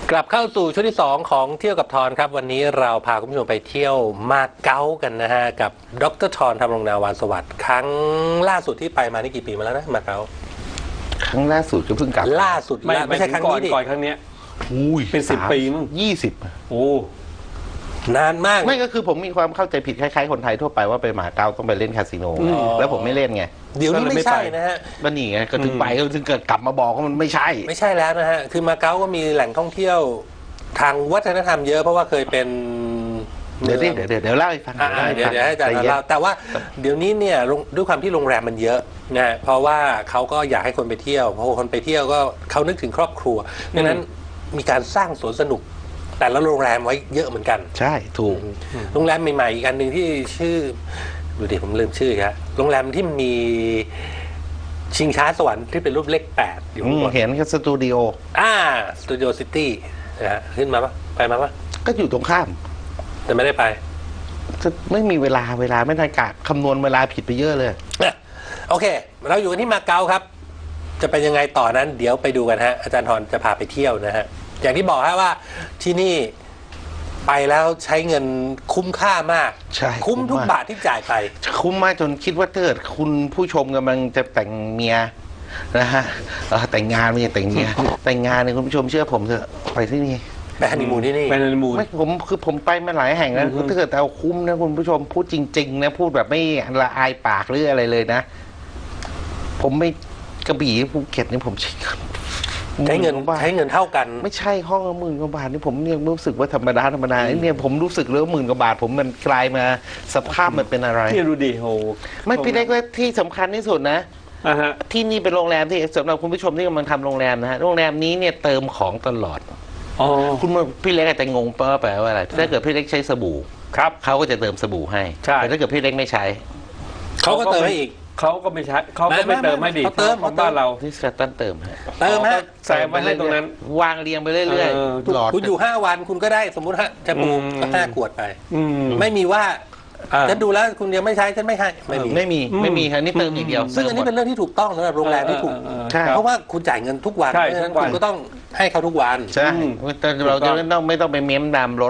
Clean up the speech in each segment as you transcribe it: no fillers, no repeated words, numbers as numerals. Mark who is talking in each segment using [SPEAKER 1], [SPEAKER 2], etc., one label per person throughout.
[SPEAKER 1] กลับเข้าสู่ช่วงที่2ของเที่ยวกับทอนครับวันนี้เราพาคุณผู้ชมไปเที่ยวมาเก๊ากันนะฮะกับดร.ทอนธรรมรงนาวาสวัสดิ์ครั้งล่าสุดที่ไปมานี่กี่ปีมาแล้วนะมาเก๊า
[SPEAKER 2] ครั้งล่าสุดก็เพิ่งกลับ
[SPEAKER 1] ล่าสุดไม่ใช่ครั้งนี้ดิ
[SPEAKER 3] ก่อนครั้งนี้เป็น10 ปีมั้ง
[SPEAKER 2] 20
[SPEAKER 3] โอ้
[SPEAKER 1] นานมาก
[SPEAKER 2] ไม่ก็คือผมมีความเข้าใจผิดคล้ายๆคนไทยทั่วไปว่าไปมาเก๊าต้องไปเล่นคาสิโนแล้วผมไม่เล่นไง
[SPEAKER 1] เดี๋ยวนี้ไม่ใช่นะฮะ
[SPEAKER 2] มันนี่ไงก็ถึงไปก็ถึงเกิดกลับมาบอกว่ามันไม่ใช่
[SPEAKER 1] แล้วนะฮะคือมาเก๊าก็มีแหล่งท่องเที่ยวทางวัฒนธรรมเยอะเพราะว่าเคยเป็น
[SPEAKER 2] เดี๋ยวเล่าให้ฟัง
[SPEAKER 1] เดี๋ยวให้อาจารย์เล่าแต่ว่าเดี๋ยวนี้เนี่ยด้วยความที่โรงแรมมันเยอะนะเพราะว่าเขาก็อยากให้คนไปเที่ยวเพราะคนไปเที่ยวก็เขานึกถึงครอบครัวดังนั้นมีการสร้างสวนสนุกแต่ละโรงแรมไว้เยอะเหมือนกัน
[SPEAKER 2] ใช่ถูก
[SPEAKER 1] โรงแรมใหม่ๆอีกอันหนึ่งที่ชื่อดูดิผมลืมชื่อครับโรงแรมที่มีชิงช้าสวรรค์ที่เป็นรูปเลข8อยู่
[SPEAKER 2] เห็นก็สตูดิโอ
[SPEAKER 1] สตูดิโอซิตี้นะฮะขึ้นมาปะไปมาปะ
[SPEAKER 2] ก็อยู่ตรงข้าม
[SPEAKER 1] แต่ไม่ได้ไป
[SPEAKER 2] ไม่มีเวลาไม่ทันกะคำนวณเวลาผิดไปเยอะเลย
[SPEAKER 1] โอเคเราอยู่กันที่มาเก๊าครับจะเป็นยังไงต่อนั้นเดี๋ยวไปดูกันฮะอาจารย์ทรจะพาไปเที่ยวนะฮะอย่างที่บอกฮะว่าที่นี่ไปแล้วใช้เงินคุ้มค่ามากคุ้มทุกบาทที่จ่ายไป
[SPEAKER 2] คุ้มมากจนคิดว่าเกิดคุณผู้ชมกำลังจะแต่งเมียนะฮะแต่งงานไม่ใช่แต่งเมียแต่งงานเนี่ยคุณผู้ชมเชื่อผมเถอะไปที่นี่
[SPEAKER 1] ไปฮันนีมูนที่นี่
[SPEAKER 3] ไปฮันนีมูน
[SPEAKER 2] ไม่ผมไปมาหลายแห่งแล้วถ้าเกิดเอาคุ้มนะคุณผู้ชมพูดจริงๆนะพูดแบบไม่ละอายปากหรืออะไรเลยนะผมไม่กระบี่ภูเก็ตนี่ผม
[SPEAKER 1] ใช้เงินเท่ากัน
[SPEAKER 2] ไม่ใช่ห้องละ10,000 กว่าบาทนี่ผมยังรู้สึกว่าธรรมดาเนี่ยผมรู้สึกเลยว่า10,000 กว่าบาทผมมันกลายมาสภาพมันเป็นอะไร
[SPEAKER 3] ที่ดูดิโห
[SPEAKER 2] ไม่พี่เล็กและที่สำคัญที่สุดนะที่นี่เป็นโรงแรมที่สำหรับคุณผู้ชมที่กำลังทำโรงแรมนะฮะโรงแรมนี้เนี่ยเติมของตลอดคุณพี่เล็กอาจจะงงแปลว่าอะไรถ้าเกิดพี่เล็กใช้สบู่
[SPEAKER 3] ครับ
[SPEAKER 2] เขาก็จะเติมสบู่ให้แต่ถ้าเกิดพี่เล็กไม่ใช้
[SPEAKER 1] เขาก็เติมให้อีก
[SPEAKER 3] เขาก็ไม่ใช่เขาก็ไม่เติมให้ดีของบ้านเรา
[SPEAKER 2] ที่สตันเติม
[SPEAKER 1] ฮะ
[SPEAKER 3] ใส่มาให้ตรงนั้น
[SPEAKER 2] วางเรียงไปเรื่อย
[SPEAKER 1] ๆหลอดคุณอยู่5 วันคุณก็ได้สมมุติฮะจะปูก็5 ขวดไปไม่มีว่าฉันดูแล้วคุณยังไม่ใช้ฉันไม่ให้
[SPEAKER 2] ไม่มีครับนี่เติมอย่างเดียว
[SPEAKER 1] ซึ่งอันนี้เป็นเรื่องที่ถูกต้องสำหรับโรงแรมที่ถูกเพราะว่าคุณจ่ายเงินทุกวันเพราะฉะนั้นคุณก็ต้องให้เขาทุกวัน
[SPEAKER 2] ใช่แต่เราจะไม่ต้องไปเม้มดามรถ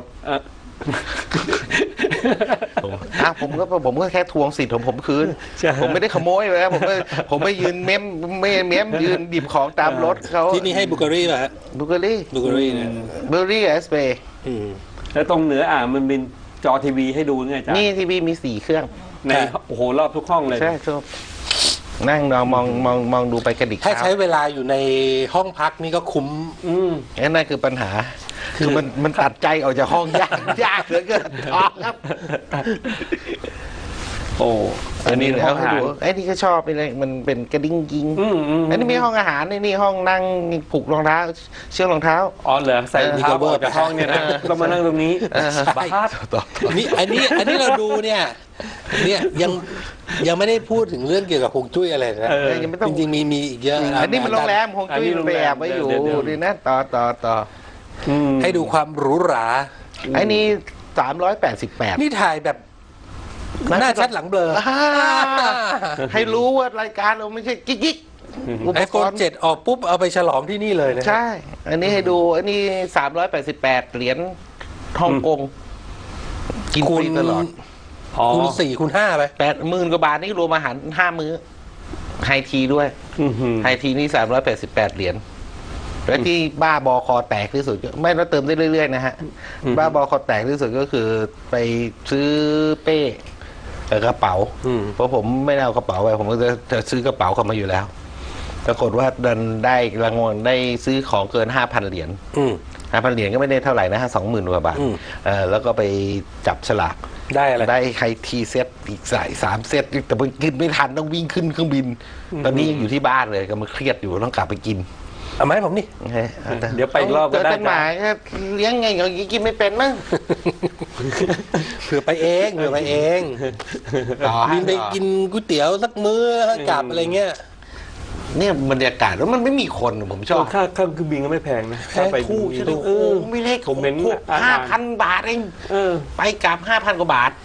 [SPEAKER 2] ผมก็แค่ทวงสิทธิ์ของผมคืนผมไม่ได้ขโมยเลยผมไม่ยืนเม้มยืนดิบของตามรถเขา
[SPEAKER 1] ที่นี่ให้บุกรี่ป่ะฮะ
[SPEAKER 2] บุกรี่
[SPEAKER 1] เนี่ย
[SPEAKER 2] บุกรี่เอสเป
[SPEAKER 3] แล้วตรงเหนือมันเป็นจอทีวีให้ดูไงจ๊ะ
[SPEAKER 2] นี่ทีวีมี4 เครื่อง
[SPEAKER 3] ในโอ้โหรอบทุกห้องเลย
[SPEAKER 2] ใช่ครับนั่งมองดูไปกระดิก
[SPEAKER 1] ถ้าใช้เวลาอยู่ในห้องพักนี่ก็คุ้ม
[SPEAKER 2] นั่นคือปัญหาคือมันตัดใจออกจากห้องยากเหลือเกินครับ
[SPEAKER 3] โอ้
[SPEAKER 2] อันนี้ห้องอาหารไอ้นี่ก็ชอบไปเลยมันเป็นกระดิ่งกิ้งอันนี้มีห้องอาหารนี่ห้องนั่งผูกรองเท้าเชือกรองเท้า
[SPEAKER 3] เหรอใส่เท้าออกจากห้องเนี่ยนะก็มานั่งตรงนี้บ้า
[SPEAKER 1] นี่อันนี้เราดูเนี่ยยังไม่ได้พูดถึงเรื่องเกี่ยวกับฮวงจุ้ยอะไรนะจริงๆมีอีกเยอะ
[SPEAKER 2] อันนี้มันโรงแรมฮวงจุ้ยมันไปแอบไว้อยู่ดีนะต่อ
[SPEAKER 1] ให้ดูความหรูหรา
[SPEAKER 2] ไอ้นี่388
[SPEAKER 1] นี่ถ่ายแบบหน้าชัดหลังเบลอ
[SPEAKER 2] ให้รู้ว่ารายการเราไม่ใช่กิ๊ก
[SPEAKER 1] iPhone 7 ออกปุ๊บเอาไปฉลองที่นี่เลยนะ
[SPEAKER 2] ใช่อันนี้ให้ดูอันนี้388 เหรียญฮ่องกงกินฟรีตลอด
[SPEAKER 1] คูณ4คูณ5ไป
[SPEAKER 2] 80,000 กว่าบาทนี่รวมอาหาร5 มื้อไฮทีด้วยไฮทีนี่388 เหรียญและที่บ้าบอคอแตกที่สุดไม่ต้องเติมได้เรื่อยๆนะฮะบ้าบอคอแตกที่สุดก็คือไปซื้อเป้กระเป๋าเพราะผมไม่ได้เอากระเป๋าไปผมก็จะซื้อกระเป๋าเข้ามาอยู่แล้วปรากฏว่าดันได้รางวัลได้ซื้อของเกิน 5,000 เหรียญ5,000 เหรียญก็ไม่ได้เท่าไหร่นะฮะ 20,000 กว่าบาทแล้วก็ไปจับฉลาก
[SPEAKER 1] ได้อะไร
[SPEAKER 2] ได้ไฮทีเซตอีก3 เซตแต่มันกินไม่ทันต้องวิ่งขึ้นเครื่องบินตอนนี้ยังอยู่ที่บ้านเลยก็มาเครียดอยู่ต้องกลับไปกิน
[SPEAKER 1] เอาไหมผมนี่
[SPEAKER 3] เดี๋ยวไปรอบก็ได้
[SPEAKER 2] หมาเลี้ยงไงอย่างนี้กินไม่เป็นมั้ง
[SPEAKER 1] เผื่อไปเองบินไปกินก๋วยเตี๋ยวสักมื้อกลับอะไรเงี้ย
[SPEAKER 2] เนี่ยบรรยากาศแล้วมันไม่มีคนผมชอบ
[SPEAKER 3] ค่าเครื่องบินก็ไม่แพงนะ
[SPEAKER 2] ไปคู่ใช่ไหมไม่เล็กผมเป็น5,000 บาทเองไปกลับ 5,000 กว่าบาท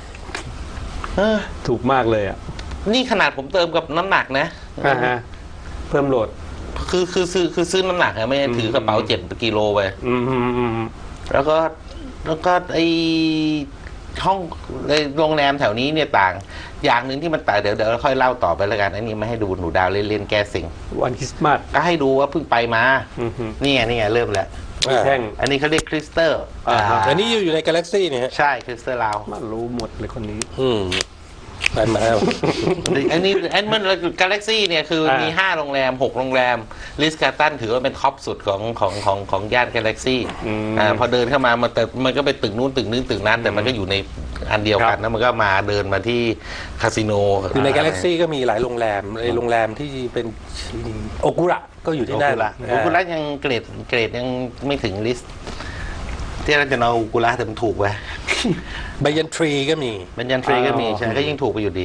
[SPEAKER 3] ถูกมากเลยอ่ะ
[SPEAKER 2] นี่ขนาดผมเติมกับน้ำหนักนะ
[SPEAKER 3] เพิ่มโหลด
[SPEAKER 2] คือซื้อน้ำหนักอะไม่ได้ถือกระเป๋า7 กิโลไป แล้วก็ไอห้องในโรงแรมแถวนี้เนี่ยต่าง อย่างหนึ่งที่มันต่างเดี๋ยวเราค่อยเล่าต่อไปแล้วกันอันนี้ไม่ให้ดูหนูดาวเล่นแก้สิง
[SPEAKER 3] วันคริสต์มาส
[SPEAKER 2] ก็ให้ดูว่าเพิ่งไปมานี่ไงเริ่มแล้ว
[SPEAKER 3] แท่ง
[SPEAKER 2] อันนี้เขาเรียกคริสตัล
[SPEAKER 1] อันนี้อยู่ในกาแล็กซี่เนี่ยฮะ
[SPEAKER 2] ใช่คริสตัลลาว
[SPEAKER 3] มันรู้หมดเลยคนนี้
[SPEAKER 1] ไปมา
[SPEAKER 2] อันนี้มันกาแล็กซี่เนี่ยคือมี5 โรงแรม 6 โรงแรมลิสการ์ตันถือว่าเป็นท็อปสุดของย่านกาแล็กซี่พอเดินเข้ามามันก็ไปตึกนู้นตึกนี้ตึกนั้นแต่มันก็อยู่ในอันเดียวกันนะมันก็มาเดินมาที่คาสิโน
[SPEAKER 1] อยู่ในกาแล็กซี่ก็มีหลายโรงแรมในโรงแรมที่เป็นโอกุระก็อยู่ที่นั่น
[SPEAKER 2] โอกุระยังเกรดยังไม่ถึงลิสต์ที่เราจะเอาโอกุระแต่มันถูกไป
[SPEAKER 1] ไบยันทรีก็มี
[SPEAKER 2] บัญญันทรีก็มีใช่ก็ยิ่งถูกไปอยู่ดี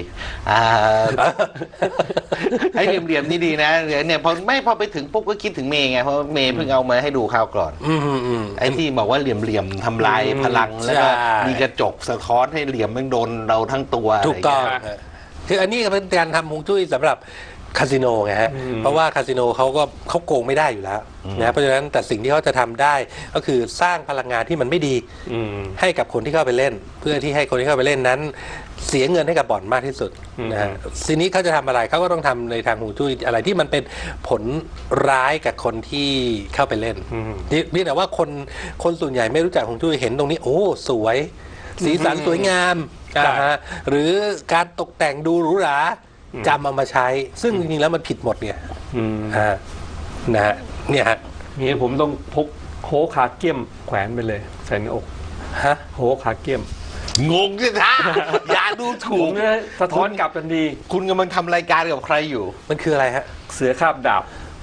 [SPEAKER 2] ไอ้เหลี่ยมๆนี่ดีนะเนี่ยพอไปถึงปุ๊บก็คิดถึงเมย์ไงเพราะเมย์เพิ่งเอามาให้ดูคราวก่อนไอ้ที่บอกว่าเหลี่ยมๆทำลายพลังแล้วก็มีกระจกสะท้อนให้เหลี่ยมมันโดนเราทั้งตัว
[SPEAKER 1] ถูกต้องคืออันนี้เป็นการทำฮวงจุ้ยสำหรับคาสิโนไงฮะเพราะว่าคาสิโนเขาโกงไม่ได้อยู่แล้วนะเพราะฉะนั้นแต่สิ่งที่เขาจะทำได้ก็คือสร้างพลังงานที่มันไม่ดีให้กับคนที่เข้าไปเล่น เพื่อที่ให้คนที่เข้าไปเล่นนั้น เสียเงินให้กับบ่อนมากที่สุดนะฮะทีนี้เขาจะทำอะไรเขาก็ต้องทำในทางฮวงจุ้ยอะไรที่มันเป็นผลร้ายกับคนที่เข้าไปเล่นนี่แต่ว่าคนส่วนใหญ่ไม่รู้จักฮวงจุ้ยเห็นตรงนี้โอ้สวยสีสันสวยงามหรือการตกแต่งดูหรูหราจำเอามาใช้ซึ่งจริงๆแล้วมันผิดหมดเนี่ยนะฮะเนี่ยฮะ
[SPEAKER 3] นี่ผมต้องพกโฮคาเกียมแขวนไปเลยใส่ในอก
[SPEAKER 1] ฮะ
[SPEAKER 3] โฮคาเกียม
[SPEAKER 2] งงสิท่าอย่าดูถู
[SPEAKER 3] ผ
[SPEAKER 2] ก
[SPEAKER 3] มเนี่ยสะท้อนกลับทันที
[SPEAKER 2] คุณกำลังทำรายการกับใครอยู่
[SPEAKER 1] มันคืออะไรฮะ
[SPEAKER 3] เสือคาบดาบ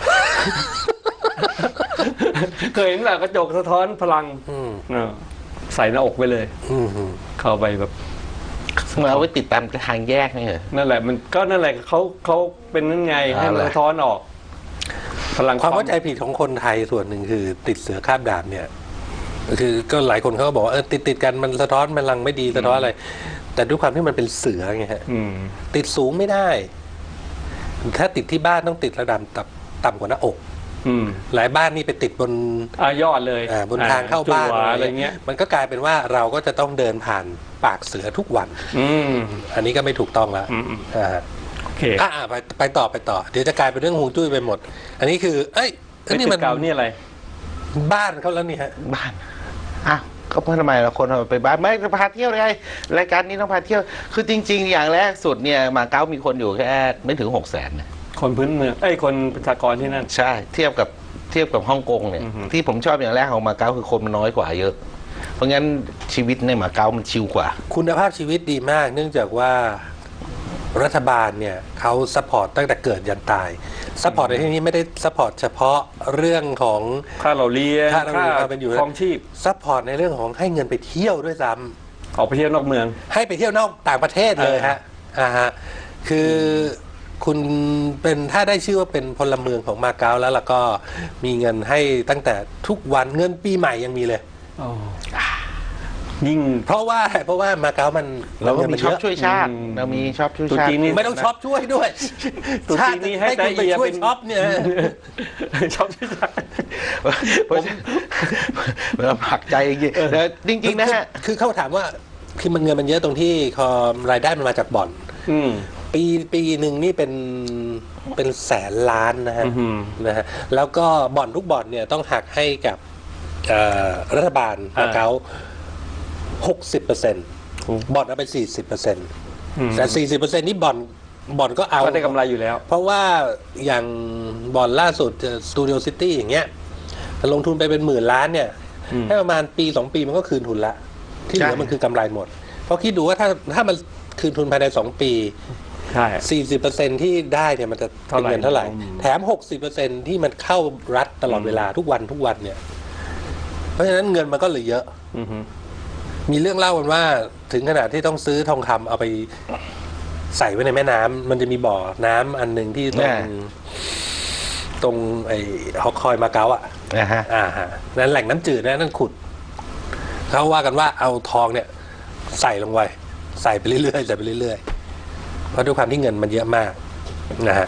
[SPEAKER 3] เคยเห็นแหละกระจกสะท้อนพลังใส่หน้าอกไปเลย เข้าไปแบบ
[SPEAKER 2] มาเอาไว้ติดตามทางแยกนี่เหรอ
[SPEAKER 3] นั่นแหละมันก็นั่นแหละเขาเป็นนั่นไงให้มันสะท้อนออก พลัง
[SPEAKER 1] ความเข้าใจผิดของคนไทยส่วนหนึ่งคือติดเสือคาบดาบเนี่ยคือก็หลายคนเขาก็บอกว่าติดกันมันสะท้อนพลังไม่ดีสะท้อนอะไร แต่ด้วยความที่มันเป็นเสือไงฮะติดสูงไม่ได้ ถ้าติดที่บ้านต้องติดระดับต่ำกว่าหน้าอกหลายบ้านนี่ไปติดบน
[SPEAKER 3] ยอดเลย
[SPEAKER 1] บนทางเข้าบ้าน
[SPEAKER 3] อะไรเงี้ย
[SPEAKER 1] มันก็กลายเป็นว่าเราก็จะต้องเดินผ่านปากเสือทุกวันอันนี้ก็ไม่ถูกต้องแล้ว
[SPEAKER 3] โอเค
[SPEAKER 1] ไปต่อเดี๋ยวจะกลายเป็นเรื่องฮวงจุ้ยไปหมด อันนี้คือนี่มัน
[SPEAKER 3] เก่านี่อะไร
[SPEAKER 1] บ้านเขาแล้วนี่ฮะ
[SPEAKER 2] บ้านก็เพื่อทำไมเราคนไปบ้านไม่พาเที่ยวไงรายการนี้ต้องพาเที่ยวคือจริงๆอย่างแรกสุดเนี่ยมาเก๊ามีคนอยู่แค่ไม่ถึง600,000นะ
[SPEAKER 3] คนพื้นเมืองคนประชากรที่นั่น
[SPEAKER 2] ใช่เทียบกับฮ่องกงเนี่ยที่ผมชอบอย่างแรกของมาเก๊าคือคนมันน้อยกว่าเยอะเพราะงั้นชีวิตในมาเก๊ามันชิลกว่า
[SPEAKER 1] คุณภาพชีวิตดีมากเนื่องจากว่ารัฐบาลเนี่ยเขาซัพพอร์ตตั้งแต่เกิดยันตายซัพพอร์ตในที่นี้ไม่ได้ซัพพอร์ตเฉพาะเรื่องของ
[SPEAKER 3] ค่าเราเรียน
[SPEAKER 1] ค่าเป็นอยู่
[SPEAKER 3] ครองชีพ
[SPEAKER 1] ซัพพอร์ตในเรื่องของให้เงินไปเที่ยวด้วยซ้
[SPEAKER 3] ำออกไปเที่ยวนอกเมือง
[SPEAKER 1] ให้ไปเที่ยวนอกต่างประเทศเลยฮะคือคุณเป็นถ้าได้ชื่อว่าเป็นพลเมืองของมาเก๊าแล้วก็มีเงินให้ตั้งแต่ทุกวันเงินปีใหม่ยังมีเลย
[SPEAKER 3] ยิ่ง
[SPEAKER 1] เพราะว่ามาเก๊ามัน
[SPEAKER 2] เราก็มีชอบช่วยชาติเรามีชอบช่วยชาติ
[SPEAKER 1] ไม่ต้องชอบช่วยด้วย
[SPEAKER 3] ตุ๊จีนนี้ให้
[SPEAKER 1] คุณไปช่วยช็อปเนี่ย
[SPEAKER 3] ชอบช่วยชาติ
[SPEAKER 2] เราผักใจจริงๆนะฮะ
[SPEAKER 1] คือเขาถามว่าคือมันเงินมันเยอะตรงที่รายได้มันมาจากบ่อนปีหนึ่งนี่เป็นแสนล้านนะฮะแล้วก็บ่อนทุกบ่อนเนี่ยต้องหักให้กับรัฐบาลมาเก๊า60%บ่อนเอาไป 40%แต่ 40% นี่บ่อนก็เอา
[SPEAKER 3] ได้กำไรอยู่แล้ว
[SPEAKER 1] เพราะว่าอย่างบ่อนล่าสุดสตูดิโอซิตี้อย่างเงี้ยลงทุนไปเป็นหมื่นล้านเนี่ยให้ประมาณปี2ปีมันก็คืนทุนละที่เหลือมันคือกำไรหมดเพราะคิดดูว่าถ้ามันคืนทุนภายใน2ปี
[SPEAKER 3] ใช่
[SPEAKER 1] 40% ที่ได้เนี่ยมันจะเป็นเงินเท่าไหร่แถม 60% ที่มันเข้ารัฐตลอดเวลาทุกวันเนี่ยเพราะฉะนั้นเงินมันก็เหลือเยอะมีเรื่องเล่ากันว่าถึงขนาดที่ต้องซื้อทองคำเอาไปใส่ไว้ในแม่น้ำมันจะมีบ่อน้ำอันหนึ่งที่ตรงไอ้ฮอกคอยมาเก๊านั่นแหล่งน้ำจืดนั่นขุดเขาว่ากันว่าเอาทองเนี่ยใส่ลงไว้ใส่ไปเรื่อยๆเพราะด้วยความที่เงินมันเยอะมากนะฮะ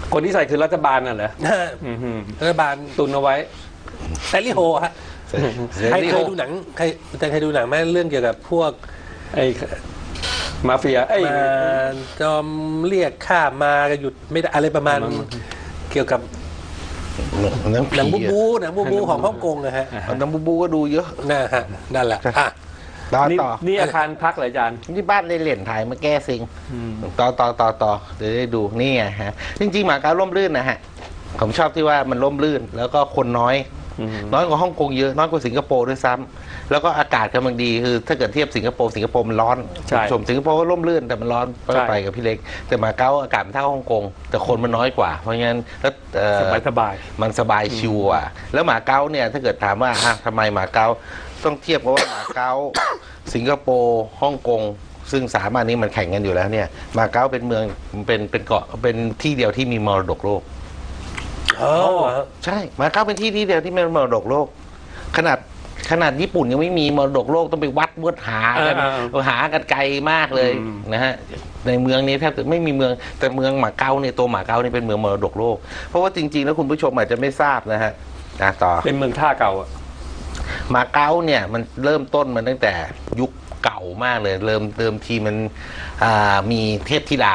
[SPEAKER 3] คนที่ใส่คือรัฐบาลน่ะเหรอ
[SPEAKER 1] รัฐบาล
[SPEAKER 3] ตุนเอาไว้
[SPEAKER 1] แซลลี่โฮฮะ
[SPEAKER 2] เส
[SPEAKER 1] ใคร
[SPEAKER 2] รี
[SPEAKER 1] เคยดูหนังใครอาจารย์เคยดูหนังไหมเรื่องเกี่ยวกับพวก
[SPEAKER 3] ไอ้มาเฟียไอ้
[SPEAKER 1] มาจอมเรียกข้ามาก็หยุดไม่ได้อะไรประมาณเกี่ยวกับ
[SPEAKER 2] หนัง
[SPEAKER 1] หนัง
[SPEAKER 2] ผี
[SPEAKER 1] หนังบูของฮ่องกงนะฮะ
[SPEAKER 2] หนังบูก็ดูเยอะ
[SPEAKER 1] นะฮะนั่นแหละอ่ะ
[SPEAKER 2] ต่อ
[SPEAKER 3] นี่
[SPEAKER 2] ต่อ
[SPEAKER 3] นี่อาคารพักเหรออาจารย์
[SPEAKER 2] ที่บ้านเล่นถ่ายมาแก้ซิงต่อเดี๋ยวได้ดูนี่ไงฮะจริงๆหมาเก๊าร่มรื่นนะฮะผมชอบที่ว่ามันร่มรื่น แล้วก็คนน้อย น้อยกว่าฮ่องกงเยอะน้อยกว่าสิงคโปร์ด้วยซ้ำแล้วก็อากาศกำลังดีคือถ้าเกิดเทียบสิงคโปร์มันร้อน
[SPEAKER 3] ใช่
[SPEAKER 2] ชมสิงคโปร์ก็ร่มรื่นแต่มันร้อน
[SPEAKER 3] ใช่
[SPEAKER 2] ไปกับพี่เล็ก แต่หมาเก๊าอากาศมันเท่าฮ่องกงแต่คนมันน้อยกว่าเพราะงั้นแล้ว
[SPEAKER 3] สบาย
[SPEAKER 2] มันสบายชิวอ่ะแล้วหมาเก๊าเนี่ยถ้าเกิดถามว่าทำไมหมาเก๊าต้องเทียบกับว่าหมาเก๊าสิงคโปร์ฮ่องกงซึ่งสามอันนี้มันแข่งกันอยู่แล้วเนี่ยหมาเก๊าเป็นเมืองเป็นเกาะเป็นที่เดียวที่มีมรดกโลก
[SPEAKER 1] อ๋อ
[SPEAKER 2] ใช่หมาเก๊าเป็นที่เดียวที่มีมรดกโลกขนาดญี่ปุ่นยังไม่มีมรดกโลกต้องไปวัดหากันหากันไกลมากเลยนะฮะในเมืองนี้แทบจะไม่มีเมืองแต่เมืองหมาเก๊าเนี่ยตัวหมาเก๊านี่เป็นเมืองมรดกโลกเพราะว่าจริงๆแล้วคุณผู้ชมอาจจะไม่ทราบนะฮะต่อ
[SPEAKER 3] เป็นเมืองท่าเก่าอ่ะ
[SPEAKER 2] มาเก๊าเนี่ยมันเริ่มต้นมันตั้งแต่ยุคเก่ามากเลยเริ่มทีมันมีเทพธิดา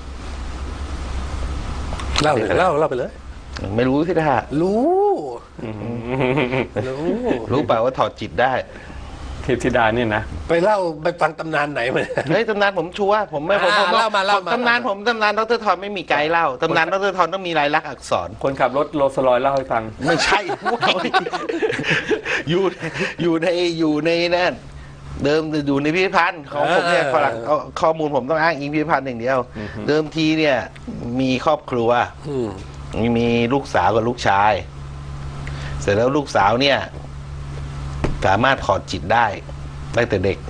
[SPEAKER 1] เล่าไปเลย
[SPEAKER 2] ไม่รู้ที่ท่า
[SPEAKER 1] รู้
[SPEAKER 2] รู้เปล่าว่าถอดจิตได้
[SPEAKER 3] เทพธิดาเนี่ยนะ
[SPEAKER 1] ไปเล่าไปฟังตำนานไหนมา
[SPEAKER 2] เฮ้ยตำนานผมชัวร์ผมไม่ผม
[SPEAKER 1] เล่ามา
[SPEAKER 2] ตำนานดรทอนไม่มีไกด์เล่าตำนานดรทอนต้องมีลายลักษณ์อักษร
[SPEAKER 3] คนขับรถโรลส์รอยซ์เล่าให้ฟัง
[SPEAKER 2] ไม่ใช่ อยู่ในนั่นเดิมอยู่ในพิพิธภัณฑ์ของผมเนี่ยฝรั่งข้อมูลผมต้องอ้างอิงพิพิธภัณฑ์อย่างเดียว เดิมทีเนี่ยมีครอบครัวมีลูกสาวกับลูกชาย เสร็จแล้วลูกสาวเนี่ยสามารถถอดจิตได้ตั้งแต่เด็ก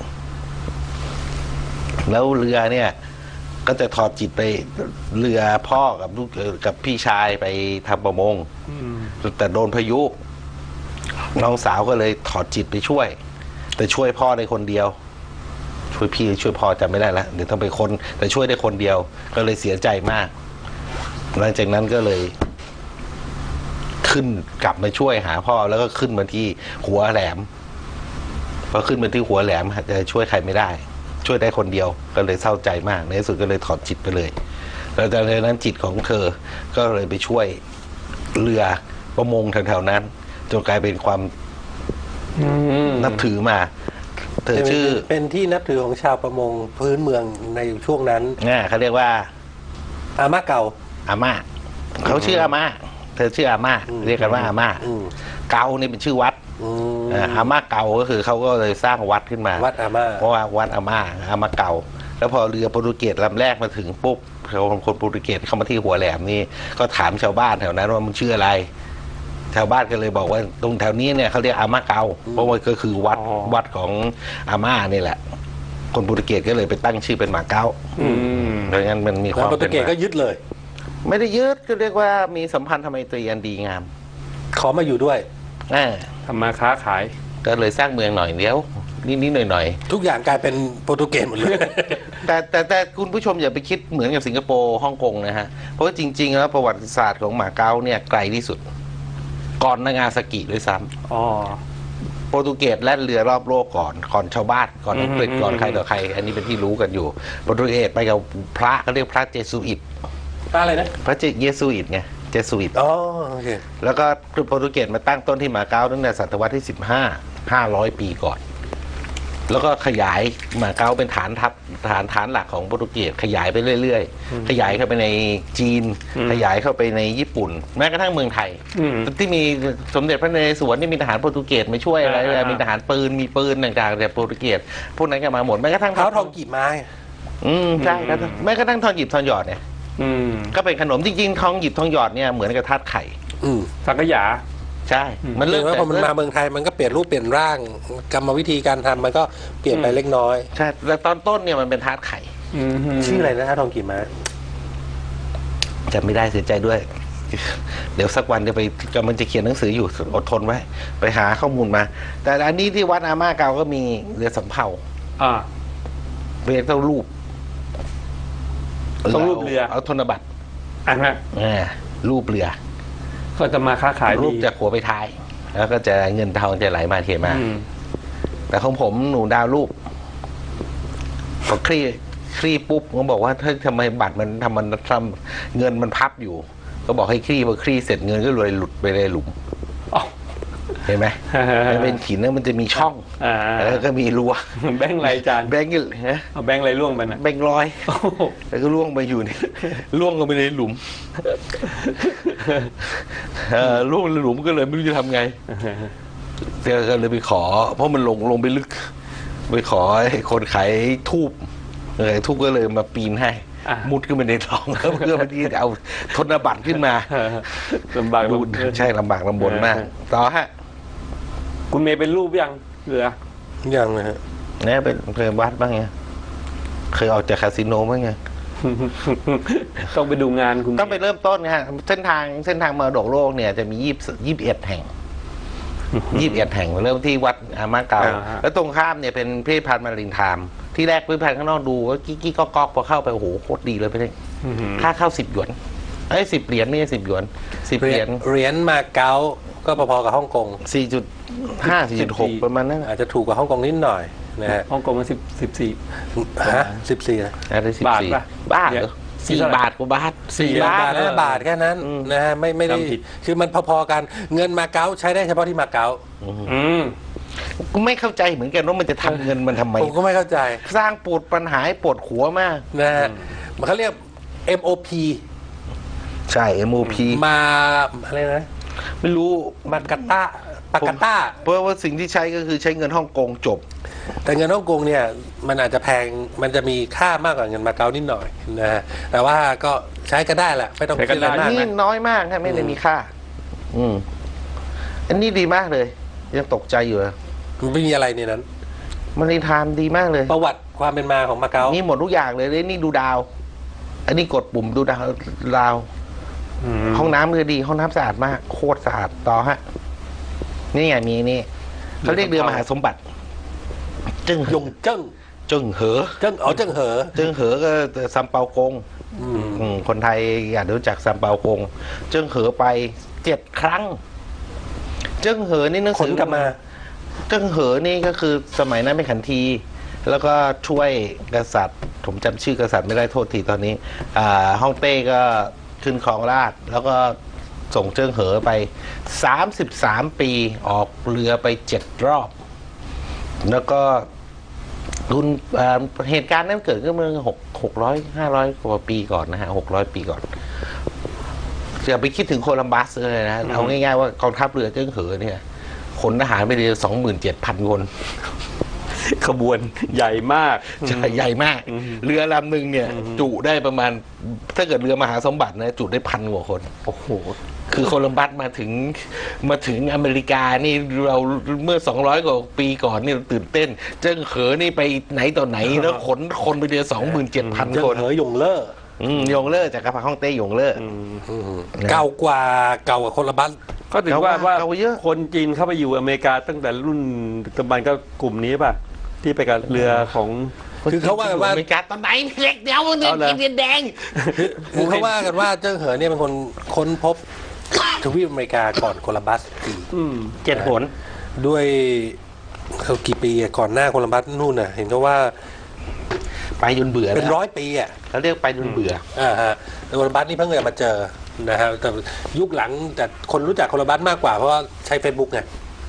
[SPEAKER 2] แล้วเรือเนี่ยก็จะถอดจิตไปเรือพ่อกับลูกกับพี่ชายไปทำประมงแต่โดนพายุน้องสาวก็เลยถอดจิตไปช่วย แต่ช่วยพ่อได้คนเดียว ช่วยพี่ช่วยพ่อจำไม่ได้แล้วเดี๋ยวต้องไปคนแต่ช่วยได้คนเดียว ก็เลยเสียใจมากหลังจากนั้นก็เลย ขึ้นกลับมาช่วยหาพ่อแล้วก็ขึ้นมาที่หัวแหลมพอขึ้นมาที่หัวแหลมจะช่วยใครไม่ได้ ช่วยได้คนเดียวก็เลยเศร้าใจมากในที่สุดก็เลยถอดจิตไปเลยแล้วจากนั้นจิตของเธอก็เลยไปช่วยเรือประมงแถวๆนั้นจนกลายเป็นความนับถือมา เธอชื่อ
[SPEAKER 1] เป็นที่นับถือของชาวประมงพื้นเมืองในช่วงนั้น
[SPEAKER 2] เขาเรียกว่า
[SPEAKER 1] อาม่าเก่า
[SPEAKER 2] อาม่าเขาชื่ออาม่าเธอชื่ออาม่าเรียกกันว่าอาม่าเกานี่เป็นชื่อวัดอาม่าเกาก็คือเขาก็เลยสร้างวัดขึ้นมา
[SPEAKER 1] วัดอาม่า
[SPEAKER 2] เพราะว่าวัดอาม่าเก่าแล้วพอเรือโปรตุเกสลำแรกมาถึงปุ๊บคนโปรตุเกสเข้ามาที่หัวแหลมนี่ก็ถามชาวบ้านแถวนั้นว่ามึงชื่ออะไรชาวบ้านก็เลยบอกว่าตรงแถวนี้เนี่ยเขาเรียกอาม่าเกาเพราะว่าก็คือวัดของอาม่านี่แหละคนโปรตุเกสก็เลยไปตั้งชื่อเป็นหมาเก้าดังนั้นมันมีความ
[SPEAKER 1] โปรตุเกสก็ยึดเลย
[SPEAKER 2] ไม่ได้ยึดก็เรียกว่ามีสัมพันธไมตรีอันดีงาม
[SPEAKER 1] ขอมาอยู่ด้วย
[SPEAKER 3] ทำมาค้าขาย
[SPEAKER 2] ก็เลยสร้างเมืองหน่อยเดียวนิดๆหน่อย
[SPEAKER 1] ทุกอย่างกลายเป็นโปรตุเกสหมดเลย
[SPEAKER 2] ๆแต่คุณผู้ชมอย่าไปคิดเหมือนกับสิงคโปร์ฮ่องกงนะฮะเพราะว่าจริงๆแล้วประวัติศาสตร์ของหมาเก๊าเนี่ยไกลที่สุด ก่อนนางาซากิด้วยซ้ำ
[SPEAKER 3] อ๋อ
[SPEAKER 2] โปรตุเกสแล่นเรือรอบโลกก่อนชาวบ้านก่อนอังกฤษก่อนใครต่อใคร อันนี้เป็นที่รู้กันอยู่โปรตุเกสไปกับพระเขาเรียกพระเจสุอิต
[SPEAKER 1] อะไรนะ
[SPEAKER 2] พระเยซูอิตไงเจสุอิต
[SPEAKER 1] อ๋อโอเค
[SPEAKER 2] แล้วก็โปรตุเกสมาตั้งต้นที่มาเก๊าตั้งแต่ศตวรรษที่500 ปีก่อน แล้วก็ขยายมาเก๊าเป็นฐานหลักของโปรตุเกสขยายไปเรื่อยๆขยายเข้าไปในจีน ขยายเข้าไปในญี่ปุ่น แม้กระทั่งเมืองไทยที่มีสมเด็จพระนเรศวรที่มีทหารโปรตุเกสมาช่วยอะไรมีทหารปืนมีปืนต่างๆแต่โปรตุเกสพวกนั้นก็มาหมดแม้กระทั่ง
[SPEAKER 1] เท้าทองกีบไม้
[SPEAKER 2] ใช่ครับแม้กระทั่งทองหยิบทองหยอดเนี่ยก็เป็นขนมจริงๆทองหยิบทองหยอดเนี่ยเหมือนกับทาสไข่
[SPEAKER 3] สังขยา
[SPEAKER 2] ใช่มัน
[SPEAKER 1] เรื่
[SPEAKER 2] เริ่
[SPEAKER 1] อ
[SPEAKER 2] ม
[SPEAKER 1] งว่าพอมันมาเมืองไทยมันก็เปลี่ยนรูปเปลี่ยนร่างกรรมวิธีการทำมันก็เปลี่ยนไปเล็กน้อย
[SPEAKER 2] ใช่แต่ตอนต้นเนี่ยมันเป็นทาสไข่
[SPEAKER 1] ชื่ออะไรนะเท้าทองกีบไม้
[SPEAKER 2] จำไม่ได้เสียใจด้วย เดี๋ยวสักวันจะไปกำลังจะเขียนหนังสืออยู่อดทนไว้ไปหาข้อมูลมา แต่อันนี้ที่วัดอาม่าเก่าก็มีเรือสำเภา
[SPEAKER 3] 啊
[SPEAKER 2] เรียกเท่ารูป
[SPEAKER 3] ต้องรูปเรือ
[SPEAKER 2] เอาธนบัตร
[SPEAKER 3] อ่ะฮะ
[SPEAKER 2] รูปเรือ
[SPEAKER 3] ก็จะมาค้าขายดี
[SPEAKER 2] รูปจากหัวไปท้าย แล้วก็จะเงินทองจะไหลมาเทมา
[SPEAKER 3] อืม
[SPEAKER 2] แต่ของผมหนูดาวรูปพอคลี่ปุ๊บก็บอกว่าถ้าทำไมบัตรมันทำเงินมันพับอยู่ ก็บอกให้คลี่พอคลี่เสร็จเงินก็เลยหลุดไปในหลุม
[SPEAKER 3] อ๋อ
[SPEAKER 2] เห็นไหมมันเป็นหินแล้วมันจะมีช่อง
[SPEAKER 3] อ่า
[SPEAKER 2] แล้วก็มีรั้ว
[SPEAKER 3] แบงค์ไรจาน
[SPEAKER 2] แบงค์ฮะ
[SPEAKER 3] เอาแบงค์ไรล่วงไปนะ
[SPEAKER 2] แบงค์ร้อย
[SPEAKER 3] โอ้โห
[SPEAKER 2] แล้วก็ล่วงไปอยู่ในล่วงลงไปในหลุมล่วงในหลุมก็เลยไม่รู้จะทำไงก็เลยไปขอ เพราะมันลงไปลึก ไปขอให้คนขายทูบทูบก็เลยมาปีนให้
[SPEAKER 3] อ่ะ
[SPEAKER 2] มุดขึ้นไปในท้องแล้วเพื่อที่จะเอาธนบัตรขึ้นมา
[SPEAKER 3] ลำบาก
[SPEAKER 2] ดู
[SPEAKER 3] ลำบน
[SPEAKER 2] ใช่ลำบากลำบนมาก ต่อฮะ
[SPEAKER 3] คุณเมย์เป็นรูปยังเหลือ
[SPEAKER 1] ยังนะฮะ
[SPEAKER 2] เนี่ยเป็นเคยวัดบ้างไงเคยออกจากคาสิโนบ้างไง
[SPEAKER 3] ต้องไปดูงานคุณ
[SPEAKER 2] ต้องไปเริ่มต้นนะฮะเส้นทางมรดกโลกเนี่ยจะมี21 แห่ง 21 แห่งเริ่มที่วัดอามาเกาแล้วตรงข้ามเนี่ยเป็นพิพิธภัณฑ์มารินไทม์ที่แรกพิพิธภัณฑ์ข้างนอกดูว่ากิ๊กก๊อกพอเข้าไปโอ้โหโคตรดีเลยไปเลยค่าเข้า10 หยวน10 เหรียญไม่ใช่10 หยวน10 เหรียญ
[SPEAKER 1] เหรียญมาเก๊าก็พอๆกับฮ่องกง
[SPEAKER 2] 4.5 4.6 ประมาณนั้น
[SPEAKER 1] อาจจะถูกกว่าฮ่องกงนิดหน่อยนะฮะ
[SPEAKER 3] ฮ่องกงมัน14
[SPEAKER 1] ฮะ14นะ
[SPEAKER 2] อะไร
[SPEAKER 3] บาทปะ
[SPEAKER 2] 14 บาทเหรอ
[SPEAKER 3] นี่เท่าไหร่
[SPEAKER 2] 4 บาทกว่าบาท
[SPEAKER 1] 4 บาท5 บาทแค่นั้นนะฮะไม่ได้
[SPEAKER 3] จำผิด
[SPEAKER 1] คือมันพอๆกันเงินมาเก๊าใช้ได้เฉพาะที่มาเก๊า
[SPEAKER 3] อืม
[SPEAKER 2] กูไม่เข้าใจเหมือนกันว่ามันจะทำเงินมันทำไม
[SPEAKER 1] ผมก็ไม่เข้าใจ
[SPEAKER 2] สร้างปวดปัญหาให้ปวดหัวมาก
[SPEAKER 1] นะฮะมันเขาเรียก MOP
[SPEAKER 2] ใช่ MOP
[SPEAKER 1] มาอะไรนะ
[SPEAKER 2] ไม่รู้
[SPEAKER 1] มากาตาปากาตา
[SPEAKER 2] เพราะว่าสิ่งที่ใช้ก็คือใช้เงินฮ่องกงจบ
[SPEAKER 1] แต่เงินฮ่องกงเนี่ยมันอาจจะแพงมันจะมีค่ามากกว่าเงินมาเก๊านิดหน่อยนะฮะแต่ว่าก็ใช้ก็ได้แหละไม่ต้อง
[SPEAKER 3] ใช้
[SPEAKER 1] คิ
[SPEAKER 3] กั
[SPEAKER 1] ด
[SPEAKER 3] น
[SPEAKER 1] อะไร
[SPEAKER 3] ได้
[SPEAKER 1] มาก
[SPEAKER 2] นี่
[SPEAKER 1] นะ
[SPEAKER 2] น้อยมากฮะไม่ได้มีค่า อันนี้ดีมากเลย ยังตกใจอยู่เลย
[SPEAKER 1] มันไม่มีอะไรในนั้น
[SPEAKER 2] มันในไทม์ดีมากเลย
[SPEAKER 1] ประวัติความเป็นมาของมาเก๊า
[SPEAKER 2] นี่หมดทุกอย่างเลยนี่ดูดาว อันนี้กดปุ่มดูดาว ห้องน้ำคือดี ห้องน้ำสะอาดมาก โคตรสะอาดต่อฮะ นี่ไงมีนี่เขาเรียกเรือมหาสมบัติ จึง
[SPEAKER 1] ยงเจิ้ง
[SPEAKER 2] จึงเหอ
[SPEAKER 1] เจิ้งเจิ้งเหอ
[SPEAKER 2] จึงเหอก็ซัมเปากงคนไทยอยากรู้จักซัมเปากงจึงเหอไป7 ครั้งจึงเหอนี่หนัง
[SPEAKER 1] ข
[SPEAKER 2] สื
[SPEAKER 1] น
[SPEAKER 2] อก
[SPEAKER 1] ลับมา
[SPEAKER 2] จึงเหอนี่ก็คือสมัยนั้นเป็นขันที แล้วก็ช่วยกษัตริย์ ผมจำชื่อกษัตริย์ไม่ได้โทษทีตอนนี้ฮ่องเต้ก็ขึ้นครองราชย์แล้วก็ส่งเจิ้งเหอไป33 ปีออกเรือไป7 รอบ แล้วก็เหตุการณ์นั้นเกิดขึ้นเมื่อ500 กว่าปีก่อนนะฮะ600 ปีก่อนอย่าไปคิดถึงโคลัมบัสเลยนะเอาง่ายๆว่ากองทัพเรือเจิ้งเหอเนี่ยขนทหารไปเรือ 27,000 คน
[SPEAKER 3] ขบวนใหญ่มาก
[SPEAKER 2] ใหญ่มาก เรือลำหนึ่งเนี่ย จุได้ประมาณ ถ้าเกิดเรือมหาสมบัตินะจุได้1,000 กว่าคน
[SPEAKER 3] โอ้โห
[SPEAKER 2] คือโคลัมบัสมาถึงอเมริกานี่เราเมื่อ200 กว่าปีก่อนนี่เราตื่นเต้น เจิ้งเหอนี่ไปไหนต่อไหนแล้วขนคนไปเรือ 27,000
[SPEAKER 1] เจิ้ง
[SPEAKER 2] คน
[SPEAKER 1] เหอยงเล่อ
[SPEAKER 2] ยงเลอร์จากกระพรรดิฮ่องเต้ยงเลอร์
[SPEAKER 1] เก่ากว่าโคลัมบัส
[SPEAKER 3] ก็ถือว่า
[SPEAKER 2] เก่าเยอะ
[SPEAKER 3] คนจีนเข้าไปอยู่อเมริกาตั้งแต่รุ่นดึกดำบรรพ์ก็กลุ่มนี้ป่ะ ที่ไปกับเรือของ
[SPEAKER 1] คือเขาว่ากันว่า
[SPEAKER 2] อเมริกาตอนไหนเล็กเดียวมัน
[SPEAKER 3] เอาเลย
[SPEAKER 2] กินแดง
[SPEAKER 1] คือเขาว่ากันว่าเจิ้งเหอเนี่ยเป็นคนค้นพบทวีปอเมริกาก่อนโคลัมบัสอีก
[SPEAKER 3] 7 หน
[SPEAKER 1] ด้วยเขากี่ปีอะก่อนหน้าโคลัมบัสนู่นน่ะ เห็นเขาว่า
[SPEAKER 2] ไปจนเบื่อ
[SPEAKER 1] เป็น
[SPEAKER 2] แล้ว
[SPEAKER 1] 100 ปีอ่ะ
[SPEAKER 2] เขาเรียกไปจนเบื่อ
[SPEAKER 1] ฮะโคลัมบัสนี่เพิ่งจะมาเจอนะฮะแต่ยุคหลังแต่คนรู้จักโคลัมบัสมากกว่าเพราะว่าใช้ Facebook ไง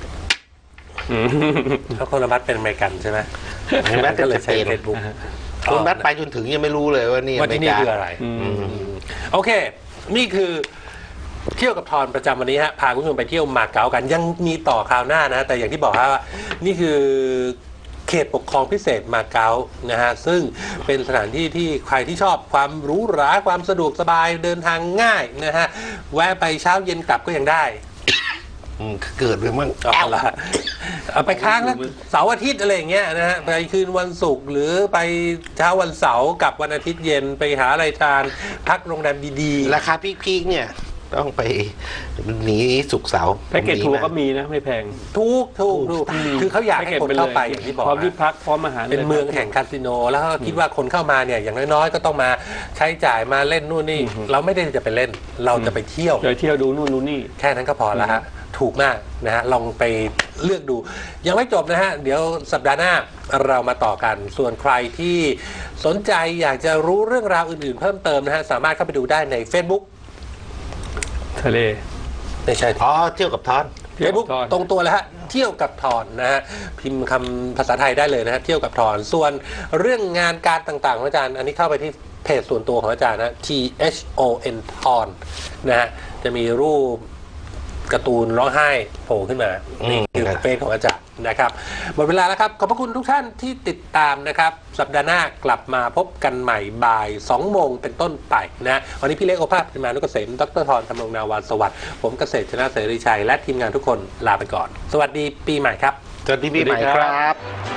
[SPEAKER 1] เพราะโคลัมบัสเป็นอเมริกันใช่ไหม
[SPEAKER 2] โคลัมบัสเป็น
[SPEAKER 1] ก็เลยใช้
[SPEAKER 2] สเปน
[SPEAKER 1] Facebook
[SPEAKER 2] คนบัสไปจนถึงยังไม่รู้เลยว่านี่
[SPEAKER 1] ว่าที่นี่
[SPEAKER 2] เม
[SPEAKER 1] คือ
[SPEAKER 2] ริกา
[SPEAKER 1] อะไรโอเค นี่คือเที่ยวกับทอนประจำวันนี้ฮะพาคุณผู้ชมไปเที่ยวมาเก๊ากันยังมีต่อคราวหน้านะแต่อย่างที่บอกฮะว่านี่คือเขตปกครองพิเศษมาเก๊านะฮะซึ่งเป็นสถานที่ที่ใครที่ชอบความหรูหราความสะดวกสบายเดินทางง่ายนะฮะแวะไปเช้าเย็นกลับก็ยังได้
[SPEAKER 2] เกิดไปมั่ง
[SPEAKER 1] เอาละเอาไปค้างแล้วเสาร์อาทิตย์อะไรอย่างเงี้ยนะฮะไปคืนวันศุกร์หรือไปเช้าวันเสาร์กลับวันอาทิตย์เย็นไปหาอะไรทานพักโรงแรมดีๆ
[SPEAKER 2] ราคาพีคๆเนี่ยต้องไปหนีสุกร์เสาร์
[SPEAKER 3] แพ็กเกจทัวร์ก็มีนะไม่แพง
[SPEAKER 1] ถูกคือเขาอยากให้คนเข้าไปอย่างที่บอก
[SPEAKER 3] พร้อมที่
[SPEAKER 1] นะ
[SPEAKER 3] พักพร้อมอาหาร
[SPEAKER 1] เป็นเมืองแห่งคาสิโนแล้วก็คิดว่าคนเข้ามาเนี่ยอย่างน้อยๆก็ต้องมาใช้จ่ายมาเล่นนู่นนี่เราไม่ได้จะไปเล่นเราจะไปเที่ยว
[SPEAKER 3] ไปเที่ยวดูนู่นดูนี่
[SPEAKER 1] แค่นั้นก็พอแล้วฮะถูกมากนะฮะลองไปเลือกดู ยังไม่จบนะฮะเดี๋ยวสัปดาห์หน้าเรามาต่อกัน ส่วนใครที่สนใจอยากจะรู้เรื่องราวอื่นๆเพิ่มเติมนะฮะสามารถเข้าไปดูได้ใน Facebook
[SPEAKER 3] ทะเล
[SPEAKER 1] ไม่ใช่
[SPEAKER 2] อ๋อเที่ยวกับทอน
[SPEAKER 3] เที่ยวกับ
[SPEAKER 1] Facebook
[SPEAKER 3] ทอน
[SPEAKER 1] ตรงตัวแล้วฮะเที่ยวกับทอนนะฮะพิมพ์คำภาษาไทยได้เลยนะฮะเที่ยวกับทอนส่วนเรื่องงานการต่างๆของอาจารย์อันนี้เข้าไปที่เพจส่วนตัวของอาจารย์นะ THON ทอนนะฮะจะมีรูปการ์ตูนร้องไห้โผล่ขึ้นมานี่คือเฟซของอาจารย์นะครับหมดเวลาแล้วครับขอบพระคุณทุกท่านที่ติดตามนะครับสัปดาห์หน้ากลับมาพบกันใหม่บ่าย2 โมงเป็นต้นไปนะวันนี้พี่เล็กโอภาสมานุกเกษมดรธรธำรงนาวาสวัสดิ์ผมเกษตรชนะเสรีชัยและทีมงานทุกคนลาไปก่อนสวัสดีปีใหม่ครับ
[SPEAKER 2] สวัสดีปีใหม่ครับ